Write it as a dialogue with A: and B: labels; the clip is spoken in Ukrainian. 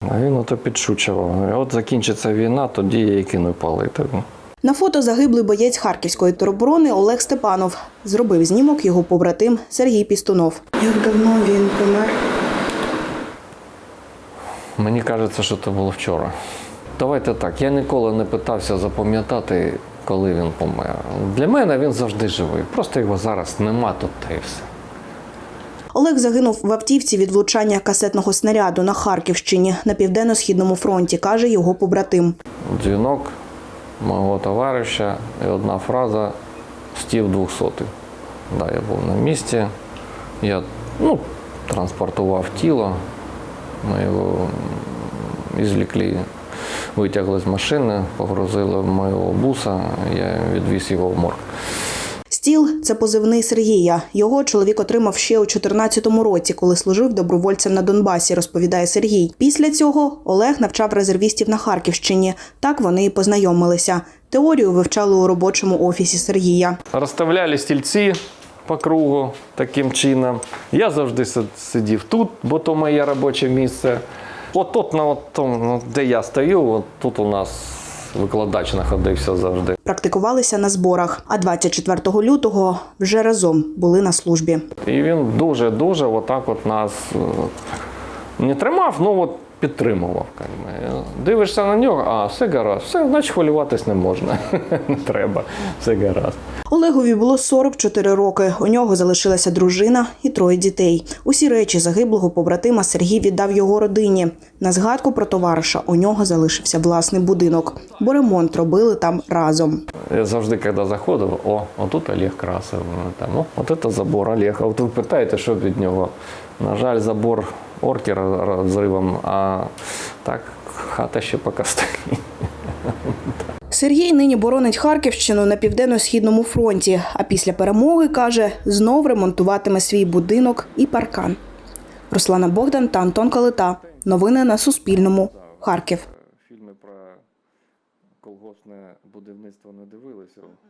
A: А він ото підшучував. От закінчиться війна, тоді я її кину палити.
B: На фото загиблий боєць Харківської тероборони Олег Степанов. Зробив знімок його побратим Сергій Пістунов. Як давно він помер?
A: Мені кажеться, що це було вчора. Давайте так, я ніколи не питався запам'ятати, коли він помер. Для мене він завжди живий. Просто його зараз нема тут, та й все.
B: Олег загинув в автівці від влучання касетного снаряду на Харківщині на Південно-Східному фронті, каже його побратим.
A: Дзвінок мого товариша і одна фраза «Стів 200-й». Да, я був на місці, я транспортував тіло, ми його извлекли, витягли з машини, погрузили в мого буса, я відвіз його в морг.
B: «Стіл» – це позивний Сергія. Його чоловік отримав ще у 2014 році, коли служив добровольцем на Донбасі, розповідає Сергій. Після цього Олег навчав резервістів на Харківщині. Так вони і познайомилися. Теорію вивчали у робочому офісі Сергія.
A: Розставляли стільці по кругу таким чином. Я завжди сидів тут, бо то моє робоче місце. От тут, де я стою, от тут у нас викладач знаходився завжди.
B: Практикувалися на зборах, а 24 лютого вже разом були на службі.
A: І він дуже отак от нас не тримав, підтримував. Дивишся на нього, а все гаразд, все, значить хвилюватись не можна, не треба, все гаразд.
B: Олегові було 44 роки, у нього залишилася дружина і 3 дітей. Усі речі загиблого побратима Сергій віддав його родині. На згадку про товариша у нього залишився власний будинок, бо ремонт робили там разом.
A: Я завжди, коли заходив, отут Олег красив, от це забор Олега. От ви питаєте, що від нього. На жаль, забор орки розривом, а так хата ще поки стоїть.
B: Сергій нині боронить Харківщину на Південно-Східному фронті, а після перемоги, каже, знов ремонтуватиме свій будинок і паркан. Руслана Богдан та Антон Калита. Новини на Суспільному. Харків.
A: Фільми про колгоспне будівництво не дивилися.